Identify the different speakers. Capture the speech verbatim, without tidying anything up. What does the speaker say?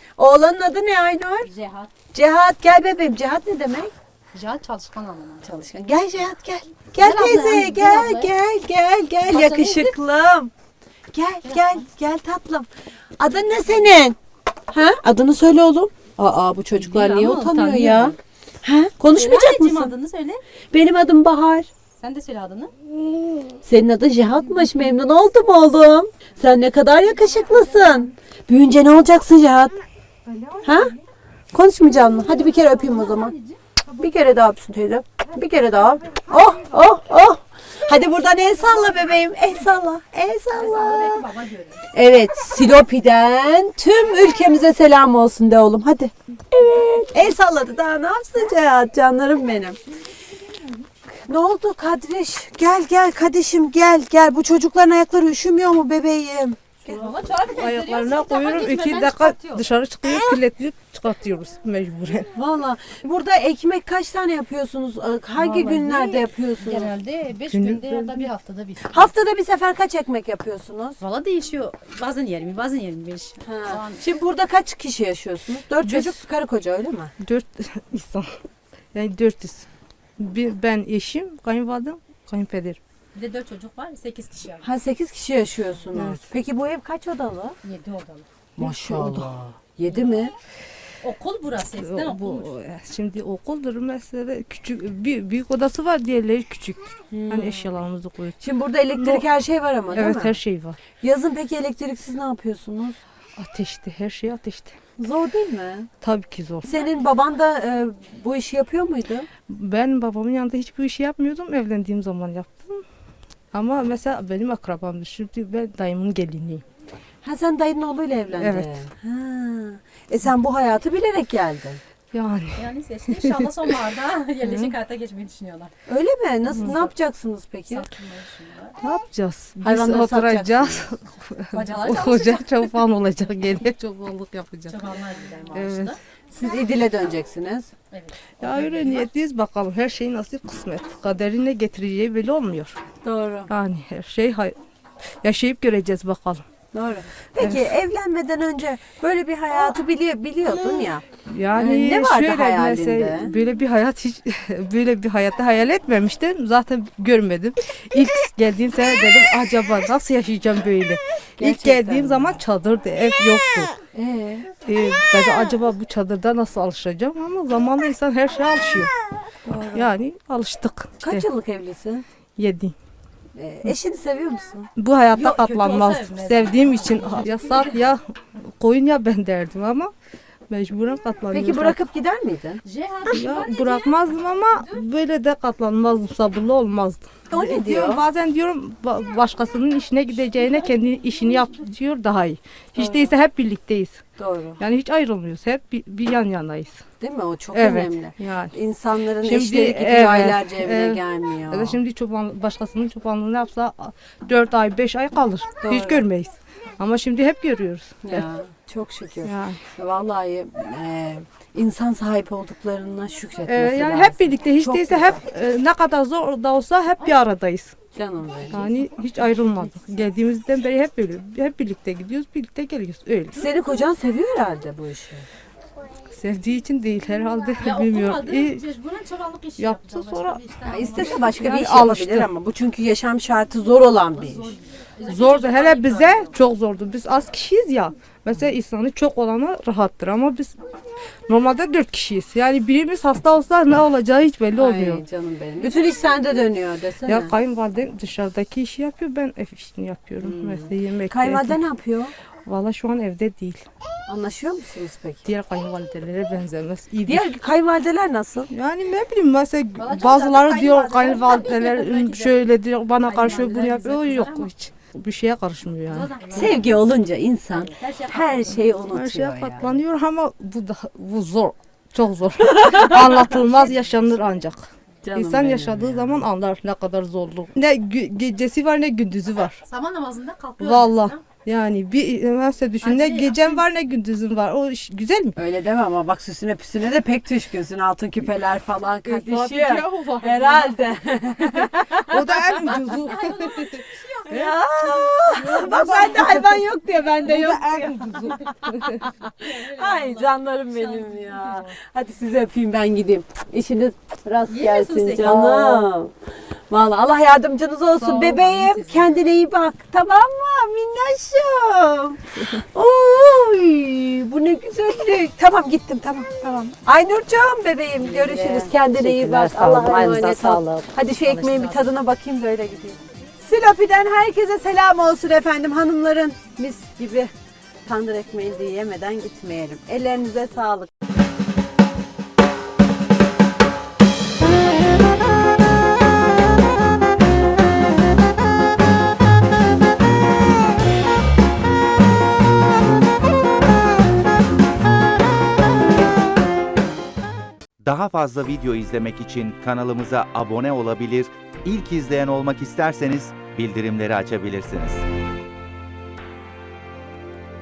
Speaker 1: Oğlanın adı ne Aynur?
Speaker 2: Cihat.
Speaker 1: Cihat gel bebeğim. Cihat ne demek?
Speaker 2: Cihat çalışkan anlamına.
Speaker 1: Çalışkan. Gel Cihat gel. Gel
Speaker 2: Gel abla,
Speaker 1: teyze
Speaker 2: gel
Speaker 1: gel
Speaker 2: abla.
Speaker 1: gel gel gel
Speaker 2: Bakalım.
Speaker 1: yakışıklım. Gel gel gel tatlım. Adın ne senin? Ha? Adını söyle oğlum. Aa bu çocuklar
Speaker 2: Değil
Speaker 1: niye
Speaker 2: ama
Speaker 1: utanıyor
Speaker 2: utanıyor.
Speaker 1: ya? Ha? Konuşmayacak
Speaker 2: Söyle anneciğim,
Speaker 1: mısın?
Speaker 2: adını söyle.
Speaker 1: Benim adım Bahar.
Speaker 2: Sen de söyle adını.
Speaker 1: Senin adın Cihat'mış. Memnun oldum oğlum. Sen ne kadar yakışıklısın. Büyünce ne olacaksın Cihat? Ha? Konuşmayacaksın mı? Hadi bir kere öpeyim o zaman. Bir kere daha öpsün teyze. Bir kere daha. Oh oh oh. Hadi buradan el salla bebeğim. El salla. El salla.
Speaker 2: Belki baba görür.
Speaker 1: Evet, Silopi'den tüm ülkemize selam olsun de oğlum. Hadi. Evet. El salladı daha ne yapsın Cihat? Canlarım benim. Ne oldu Kadriş? Gel gel Kadişim gel gel. Bu çocukların ayakları üşümüyor mu bebeğim?
Speaker 2: Baba çağır.
Speaker 3: Ayaklarına koyuyorum. iki dakika dışarı çıkıyor, kirletiyor, çıkartıyoruz mecburen.
Speaker 1: Valla burada ekmek kaç tane yapıyorsunuz? Hangi
Speaker 2: Vallahi
Speaker 1: günlerde yapıyorsunuz?
Speaker 2: Genelde beş
Speaker 3: Günlük
Speaker 2: günde ya da bir haftada bir.
Speaker 1: Haftada bir sefer kaç ekmek yapıyorsunuz?
Speaker 2: Valla değişiyor. Bazen yirmi, bazen yirmi beş.
Speaker 1: Ha. Şimdi burada kaç kişi yaşıyorsunuz? Dört çocuk, karı koca öyle mi?
Speaker 3: Dört insan. Yani dört yüz. Bir, ben eşim, kayınvalidem, kayınpederim.
Speaker 2: Bir de dört çocuk var. Sekiz kişi yani.
Speaker 1: Ha sekiz kişi yaşıyorsunuz.
Speaker 3: Evet.
Speaker 1: Peki bu ev kaç odalı?
Speaker 2: Yedi odalı.
Speaker 1: Maşallah. Yedi mi?
Speaker 2: Okul burası. Eskiden
Speaker 3: O- bu,
Speaker 2: okulmuş.
Speaker 3: şimdi okuldur mesela küçük bir büyük odası var, diğerleri küçüktür.
Speaker 1: Hmm.
Speaker 3: Hani eşyalarımızı koyuyoruz.
Speaker 1: Şimdi burada elektrik her şey var ama değil
Speaker 3: Evet,
Speaker 1: mi?
Speaker 3: her şey var.
Speaker 1: Yazın peki elektriksiz ne yapıyorsunuz?
Speaker 3: Ateşte, her şey ateşte.
Speaker 1: Zor değil mi?
Speaker 3: Tabii ki zor.
Speaker 1: Senin baban da e, bu işi yapıyor muydu?
Speaker 3: Ben babamın yanında hiçbir işi yapmıyordum. Evlendiğim zaman yaptım. Ama mesela benim akrabamdır. Şimdi ben dayımın geliniyim.
Speaker 1: Ha sen dayının oğluyla evlendin.
Speaker 3: Evet.
Speaker 1: Ha. E sen bu hayatı bilerek geldin.
Speaker 3: Yani
Speaker 2: Yani işte inşallah sonbaharda yerleşik hayata geçmeyi düşünüyorlar.
Speaker 1: Öyle mi? Nasıl ne yapacaksınız peki?
Speaker 2: Satılmayı düşünüyorlar.
Speaker 3: ne yapacağız? Biz
Speaker 1: Hayvanları
Speaker 3: oturacağız.
Speaker 2: Bacalar
Speaker 3: Hoca
Speaker 2: çalışacak.
Speaker 3: çoban olacak. Gene çobanlık yapacak.
Speaker 2: Çobanlar gider
Speaker 3: Evet.
Speaker 2: maaşlı.
Speaker 1: Siz İdil'e döneceksiniz.
Speaker 2: Evet.
Speaker 3: Ya öyle niyetliyiz bakalım. Her şey nasip kısmet. Kaderin ne getireceği belli olmuyor.
Speaker 1: Doğru.
Speaker 3: Yani her şey hay- yaşayıp göreceğiz bakalım.
Speaker 1: Doğru. Peki evlenmeden önce böyle bir hayatı bili- biliyordun ya.
Speaker 3: Yani
Speaker 1: Ne vardı
Speaker 3: şöyle
Speaker 1: hayalinde?
Speaker 3: mesela böyle bir hayat hiç böyle bir hayatta hayal etmemiştim. Zaten görmedim. İlk geldiğim sene dedim acaba nasıl yaşayacağım böyle. İlk
Speaker 1: Gerçekten
Speaker 3: geldiğim
Speaker 1: mi?
Speaker 3: zaman çadırdı, ev yoktu.
Speaker 1: Ee,
Speaker 3: Ee, dedi acaba bu çadırda nasıl alışacağım ama zamanla insan her şeye alışıyor. Yani alıştık. İşte
Speaker 1: kaç yıllık evlisin?
Speaker 3: yedi.
Speaker 1: Ee, eşini seviyor musun?
Speaker 3: Bu hayatta
Speaker 2: Yok, kötü
Speaker 3: katlanmaz.
Speaker 2: olsa evlenmez.
Speaker 3: Sevdiğim için ya sat ya koyun ya ben derdim ama mecburen katlanıyorum.
Speaker 1: Peki bırakıp gider miydin?
Speaker 2: Cihat.
Speaker 3: Ya bırakmazdım ama böyle de katlanmazdım, sabırlı olmazdım.
Speaker 1: O ne
Speaker 3: Diyorum,
Speaker 1: diyor?
Speaker 3: bazen diyorum ba- başkasının işine gideceğine kendi işini yap diyor daha iyi. Hiç değilse hep birlikteyiz.
Speaker 1: Doğru.
Speaker 3: Yani hiç ayrılmıyoruz. Hep bir, bir yan yanayız.
Speaker 1: Değil mi? O çok
Speaker 3: Evet.
Speaker 1: önemli.
Speaker 3: Yani.
Speaker 1: İnsanların
Speaker 3: Şimdi,
Speaker 1: eşleri gidiyor
Speaker 3: evet,
Speaker 1: aylarca evine
Speaker 3: evet.
Speaker 1: gelmiyor.
Speaker 3: Ya da şimdi çoban, başkasının çobanlığını yapsa dört ay beş ay kalır.
Speaker 1: Doğru.
Speaker 3: Hiç görmeyiz. Ama şimdi hep görüyoruz.
Speaker 1: Ya, çok şükür.
Speaker 3: Yani.
Speaker 1: Vallahi e, insan sahip olduklarına şükretmesi
Speaker 3: Ee, yani
Speaker 1: lazım.
Speaker 3: hep birlikte hiç
Speaker 1: Çok
Speaker 3: değilse
Speaker 1: güzel.
Speaker 3: hep e, ne kadar zor da olsa hep bir aradayız.
Speaker 1: Canım benim.
Speaker 3: Yani hiç ayrılmadık. Geldiğimizden beri hep böyle hep birlikte gidiyoruz, birlikte geliyoruz. Öyle.
Speaker 1: Seni kocan seviyor herhalde bu işi.
Speaker 3: Sevdiği için değil herhalde
Speaker 2: Ya
Speaker 3: bilmiyorum.
Speaker 2: okumadı.
Speaker 3: İyi,
Speaker 2: Mecburen çobanlık işi
Speaker 3: yaptı,
Speaker 2: yapacak.
Speaker 3: sonra-
Speaker 2: Başka bir işten
Speaker 1: Ya
Speaker 2: anlamaz.
Speaker 1: istese başka bir
Speaker 3: Yani
Speaker 1: iş yapabilir
Speaker 3: alıştı.
Speaker 1: ama bu çünkü yaşam şartı zor olan bir iş.
Speaker 3: zordu. Hele bize çok zordu. Biz az kişiyiz ya. Mesela insanı çok olana rahattır ama biz normalde dört kişiyiz. Yani birimiz hasta olsa ne olacağı hiç belli olmuyor.
Speaker 1: Ay canım benim. Bütün iş sende dönüyor desene.
Speaker 3: Ya kayınvalidem dışarıdaki işi yapıyor, ben ev işini yapıyorum. Mesela yemek.
Speaker 1: Kayınvalide ne yapıyor?
Speaker 3: Valla şu an evde değil.
Speaker 1: Anlaşıyor musunuz peki?
Speaker 3: Diğer kayınvalidelere benzemez. İyidir.
Speaker 1: Diğer kayınvalideler nasıl?
Speaker 3: Yani ne bileyim mesela
Speaker 2: Valla çok
Speaker 3: bazıları
Speaker 2: zaten
Speaker 3: diyor
Speaker 2: kayınvalideler
Speaker 3: kayınvalideler şöyle diyor bana karşı bunu
Speaker 2: Kayınvalideler
Speaker 3: yapıyor. O
Speaker 2: bize
Speaker 3: yok
Speaker 2: kızar ama-
Speaker 3: hiç. Bir şeye karışmıyor yani.
Speaker 1: Sevgi olunca insan
Speaker 2: Her şey
Speaker 1: her şeyi unutuyor
Speaker 3: Her şeye
Speaker 1: yani.
Speaker 3: katlanıyor ama bu da bu zor. Çok zor. Anlatılmaz, yaşanır ancak.
Speaker 1: Canım
Speaker 3: İnsan
Speaker 1: benim
Speaker 3: yaşadığı
Speaker 1: ya.
Speaker 3: zaman anlar ne kadar zorluk. Ne gü- gecesi var ne gündüzü var.
Speaker 2: Sabah namazında kalkıyorlar.
Speaker 3: Vallahi.
Speaker 2: mesela.
Speaker 3: Yani bir mesela düşün ne
Speaker 2: Hadi,
Speaker 3: gecen var ne gündüzün var. O iş güzel mi?
Speaker 1: Öyle deme ama bak süsüne püsüne de pek düşkünsün. Altın küpeler falan kardeşim.
Speaker 3: o var.
Speaker 1: Herhalde.
Speaker 3: O da en ucuzu.
Speaker 1: Ya, bak bende hayvan yok diye bende
Speaker 3: O
Speaker 1: yok
Speaker 3: da
Speaker 1: diyor.
Speaker 3: en ucuzu.
Speaker 1: Ay canlarım benim ya. Hadi sizi öpeyim ben gideyim. İşiniz rast
Speaker 2: Yiyorsun
Speaker 1: gelsin
Speaker 2: sen.
Speaker 1: canım. Vallahi Allah yardımcınız olsun
Speaker 2: Sağ olun,
Speaker 1: bebeğim.
Speaker 2: siz de.
Speaker 1: Kendine iyi bak. Tamam mı minnoşum? Oy, bu ne güzellik. Tamam gittim tamam tamam. Aynurcuğum bebeğim görüşürüz. Kendine iyi bak.
Speaker 4: Teşekkürler, sağ olun.
Speaker 1: Allah'a
Speaker 4: Aynınıza
Speaker 1: emanet ol.
Speaker 4: sağlık.
Speaker 1: Hadi şu ekmeğin bir tadına bakayım böyle gideyim. Silopi'den herkese selam olsun efendim hanımların. Mis gibi tandır ekmeğini de yemeden gitmeyelim. Ellerinize sağlık.
Speaker 5: Daha fazla video izlemek için kanalımıza abone olabilir, ilk izleyen olmak isterseniz bildirimleri açabilirsiniz.